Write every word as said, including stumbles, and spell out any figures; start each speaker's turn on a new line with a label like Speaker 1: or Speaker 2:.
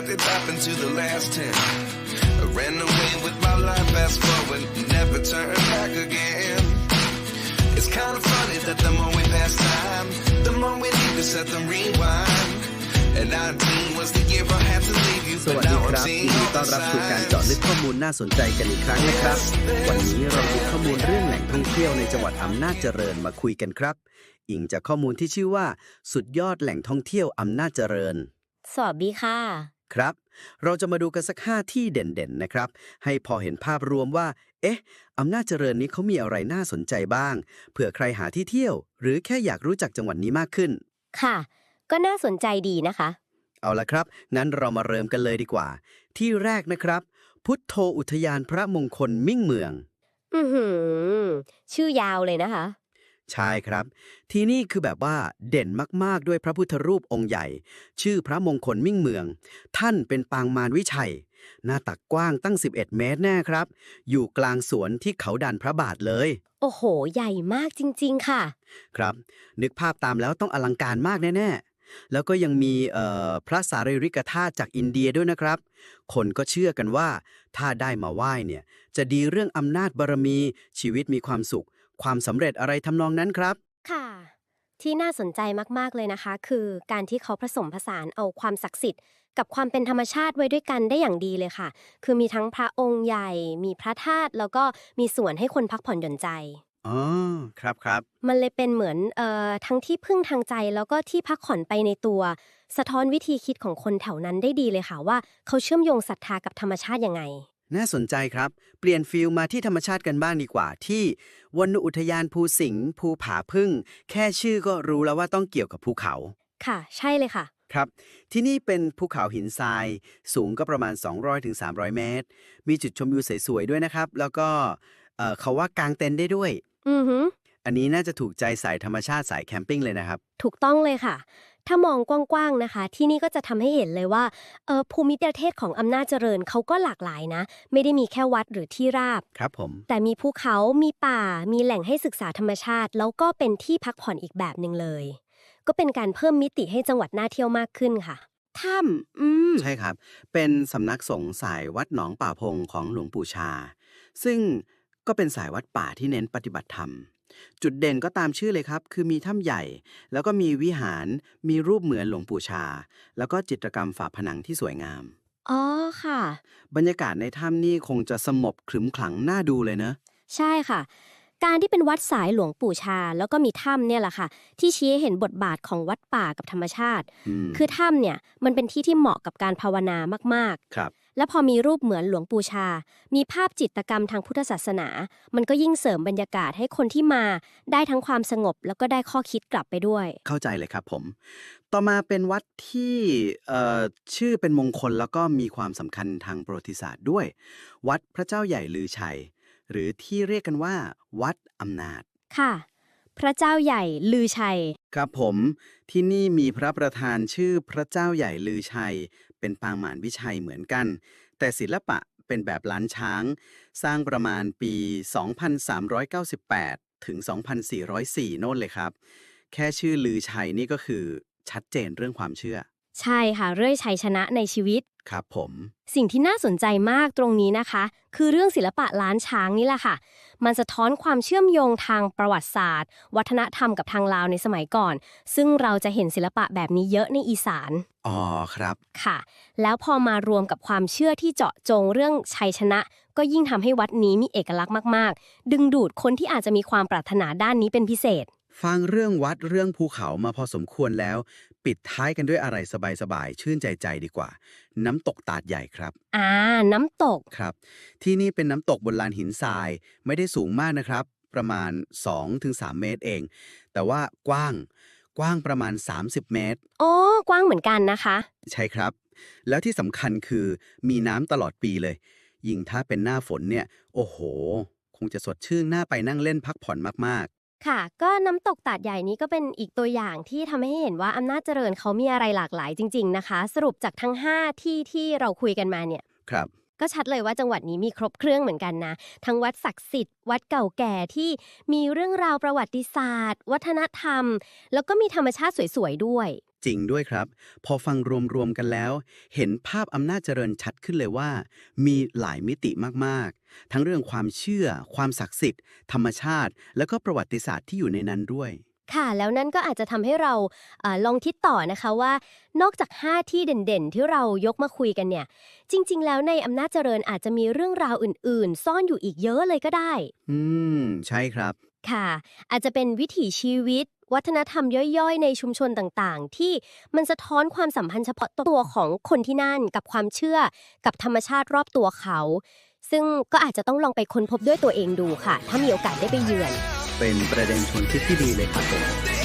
Speaker 1: what did happen to the last ten? I ran away with my life, fast forward, never turn back again. It's kind of funny that the more we pass time, the more we need to set them rewind. And nineteen was the year I had to leave you,
Speaker 2: สวั
Speaker 1: but
Speaker 2: สดี
Speaker 1: now
Speaker 2: ค
Speaker 1: I'm
Speaker 2: รับยิน
Speaker 1: seeing
Speaker 2: ดี
Speaker 1: all
Speaker 2: ต้อน
Speaker 1: the
Speaker 2: รับสู่การเจาะ
Speaker 1: signs.
Speaker 2: ลึกข้อมูลน่าสนใจกันอีกครั้งนะครับวันนี้เรามีข้อมูลเรื่องแหล่งท่องเที่ยวในจังหวัดอำนาจเจริญมาคุยกันครับอิงจากข้อมูลที่ชื่อว่าสุดยอดแหล่งท่องเที่ยวอำนาจเจริญ
Speaker 3: สวัสดีค่ะ
Speaker 2: ครับเราจะมาดูกันสักห้าที่เด่นๆนะครับให้พอเห็นภาพรวมว่าเอ๊ะอำนาจเจริญนี้เขามีอะไรน่าสนใจบ้างเผื่อใครหาที่เที่ยวหรือแค่อยากรู้จักจังหวัดนี้มากขึ้น
Speaker 3: ค่ะก็น่าสนใจดีนะคะ
Speaker 2: เอาละครับงั้นเรามาเริ่มกันเลยดีกว่าที่แรกนะครับพุทโธอุทยานพระมงคลมิ่งเมือง
Speaker 3: อือหือชื่อยาวเลยนะคะ
Speaker 2: ใช่ครับที่นี่คือแบบว่าเด่นมากๆด้วยพระพุทธรูปองค์ใหญ่ชื่อพระมงคลมิ่งเมืองท่านเป็นปางมารวิชัยหน้าตักกว้างตั้งสิบเอ็ดเมตรแน่ครับอยู่กลางสวนที่เขาดันพระบาทเลย
Speaker 3: โอ้โหใหญ่มากจริงๆค่ะ
Speaker 2: ครับนึกภาพตามแล้วต้องอลังการมากแน่ๆแล้วก็ยังมีพระสารีริกธาตุจากอินเดียด้วยนะครับคนก็เชื่อกันว่าถ้าได้มาไหว้เนี่ยจะดีเรื่องอำนาจบารมีชีวิตมีความสุขความสำเร็จอะไรทำนองนั้นครับ
Speaker 3: ค่ะที่น่าสนใจมากๆเลยนะคะคือการที่เขาผสมผสานเอาความศักดิ์สิทธิ์กับความเป็นธรรมชาติไว้ด้วยกันได้อย่างดีเลยค่ะคือมีทั้งพระองค์ใหญ่มีพระธาตุแล้วก็มีสวนให้คนพักผ่อนหย่อนใจ
Speaker 2: อ๋อครับครับ
Speaker 3: มันเลยเป็นเหมือนเอ่อทั้งที่พึ่งทางใจแล้วก็ที่พักผ่อนไปในตัวสะท้อนวิธีคิดของคนแถวนั้นได้ดีเลยค่ะว่าเขาเชื่อมโยงศรัทธากับธรรมชาติยังไง
Speaker 2: น่าสนใจครับเปลี่ยนฟิลมาที่ธรรมชาติกันบ้างดีกว่าที่วรรณอุทยานภูสิงห์ภูผาพึ่งแค่ชื่อก็รู้แล้วว่าต้องเกี่ยวกับภูเขา
Speaker 3: ค่ะใช่เลยค่ะ
Speaker 2: ครับที่นี่เป็นภูเขาหินทรายสูงก็ประมาณ สองร้อยถึงสามร้อย เมตรมีจุดชมวิวสวยๆด้วยนะครับแล้วก็เอ่อเขาว่ากางเต็นท์ได้ด้วย
Speaker 3: อือฮึ
Speaker 2: อันนี้น่าจะถูกใจสายธรรมชาติสายแคมปิ้งเลยนะครับ
Speaker 3: ถูกต้องเลยค่ะถ้ามองกว้างๆนะคะที่นี่ก็จะทำให้เห็นเลยว่าเอ่อภูมิประเทศของอำนาจเจริญเขาก็หลากหลายนะไม่ได้มีแค่วัดหรือที่ราบ
Speaker 2: ครับผม
Speaker 3: แต่มีภูเขามีป่ามีแหล่งให้ศึกษาธรรมชาติแล้วก็เป็นที่พักผ่อนอีกแบบหนึ่งเลยก็เป็นการเพิ่มมิติให้จังหวัดน่าเที่ยวมากขึ้นค่ะถ้ำอืม
Speaker 2: ใช่ครับเป็นสำนักสงฆ์สายวัดหนองป่าพงของหลวงปู่ชาซึ่งก็เป็นสายวัดป่าที่เน้นปฏิบัติธรรมจุดเด่นก็ตามชื่อเลยครับคือมีถ้ำใหญ่แล้วก็มีวิหารมีรูปเหมือนหลวงปู่ชาแล้วก็จิตรกรรมฝาผนังที่สวยงาม
Speaker 3: อ๋อค่ะ
Speaker 2: บรรยากาศในถ้ำนี่คงจะสงบขรึมขลังน่าดูเลยเนอะ
Speaker 3: ใช่ค่ะการที่เป็นวัดสายหลวงปู่ชาแล้วก็มีถ้ำเนี่ยแหละค่ะที่ชี้ให้เห็นบทบาทของวัดป่ากับธรรมชาติคือถ้ำเนี่ยมันเป็นที่ที่เหมาะกับการภาวนามาก
Speaker 2: ๆครับ
Speaker 3: และพอมีรูปเหมือนหลวงปู่ชามีภาพจิตรกรรมทางพุทธศาสนามันก็ยิ่งเสริมบรรยากาศให้คนที่มาได้ทั้งความสงบแล้วก็ได้ข้อคิดกลับไปด้วย
Speaker 2: เข้าใจเลยครับผมต่อมาเป็นวัดที่เอ่อชื่อเป็นมงคลแล้วก็มีความสำคัญทางประวัติศาสตร์ด้วยวัดพระเจ้าใหญ่ลือชัยหรือที่เรียกกันว่าวัดอำนาจ
Speaker 3: ค่ะพระเจ้าใหญ่ลือชัย
Speaker 2: ครับผมที่นี่มีพระประธานชื่อพระเจ้าใหญ่ลือชัยเป็นปางมารวิชัยเหมือนกันแต่ศิลปะเป็นแบบล้านช้างสร้างประมาณปี สองพันสามร้อยเก้าสิบแปด ถึง สองพันสี่ร้อยสี่ โน่นเลยครับแค่ชื่อลือชัยนี่ก็คือชัดเจนเรื่องความเชื่อ
Speaker 3: ใช่ค่ะเรื่อยชัยชนะในชีวิต
Speaker 2: ครับผม
Speaker 3: สิ่งที่น่าสนใจมากตรงนี้นะคะคือเรื่องศิลปะล้านช้างนี่แหละค่ะมันสะท้อนความเชื่อมโยงทางประวัติศาสตร์วัฒนธรรมกับทางลาวในสมัยก่อนซึ่งเราจะเห็นศิลปะแบบนี้เยอะในอีสาน
Speaker 2: อ๋อครับ
Speaker 3: ค่ะแล้วพอมารวมกับความเชื่อที่เจาะจงเรื่องชัยชนะก็ยิ่งทำให้วัดนี้มีเอกลักษณ์มากๆดึงดูดคนที่อาจจะมีความปรารถนาด้านนี้เป็นพิเศษ
Speaker 2: ฟังเรื่องวัดเรื่องภูเขามาพอสมควรแล้วปิดท้ายกันด้วยอะไรสบายๆชื่นใจใจดีกว่าน้ำตกตาดใหญ่ครับ
Speaker 3: อ่าน้ำตก
Speaker 2: ครับที่นี่เป็นน้ำตกบนลานหินทรายไม่ได้สูงมากนะครับประมาณ สองถึงสาม เมตรเองแต่ว่ากว้างกว้างประมาณสามสิบเมตร
Speaker 3: อ๋อกว้างเหมือนกันนะคะ
Speaker 2: ใช่ครับแล้วที่สำคัญคือมีน้ำตลอดปีเลยยิ่งถ้าเป็นหน้าฝนเนี่ยโอ้โหคงจะสดชื่นน่าไปนั่งเล่นพักผ่อนมากๆ
Speaker 3: ค่ะก็น้ำตกตาดใหญ่นี้ก็เป็นอีกตัวอย่างที่ทำให้เห็นว่าอำนาจเจริญเขามีอะไรหลากหลายจริงๆนะคะสรุปจากทั้งห้าที่ที่เราคุยกันมาเนี่ย
Speaker 2: ครับ
Speaker 3: ก็ชัดเลยว่าจังหวัดนี้มีครบเครื่องเหมือนกันนะทั้งวัดศักดิ์สิทธิ์วัดเก่าแก่ที่มีเรื่องราวประวัติศาสตร์วัฒนธรรมแล้วก็มีธรรมชาติสวยๆด้วย
Speaker 2: จริงด้วยครับ พอฟังรวมๆกันแล้ว เห็นภาพอำนาจเจริญชัดขึ้นเลยว่า มีหลายมิติมากๆ ทั้งเรื่องความเชื่อ ความศักดิ์สิทธิ์ ธรรมชาติ แล้วก็ประวัติศาสตร์ที่อยู่ในนั้นด้วย
Speaker 3: ค่ะแล้วนั่นก็อาจจะทำให้เราเอ่อลองคิดต่อนะคะว่านอกจากห้าที่เด่นๆที่เรายกมาคุยกันเนี่ยจริงๆแล้วในอำนาจเจริญอาจจะมีเรื่องราวอื่นๆ ซ่อนอยู่อีกเยอะเลยก็ได้
Speaker 2: อืม ใช่ครับ
Speaker 3: ค่ะอาจจะเป็นวิถีชีวิต วัฒนธรรมย่อยๆ ในชุมชนต่างๆ ที่มันสะท้อนความสัมพันธ์เฉพาะตัวของคนที่นั่นกับความเชื่อกับธรรมชาติรอบตัวเขา ซึ่งก็อาจจะต้องลองไปค้นพบด้วยตัวเองดูค่ะ ถ้ามีโอกาสได้ไปเยือน
Speaker 2: เป็นประเด็นชวนคิดที่ดีเลยครับผม
Speaker 1: They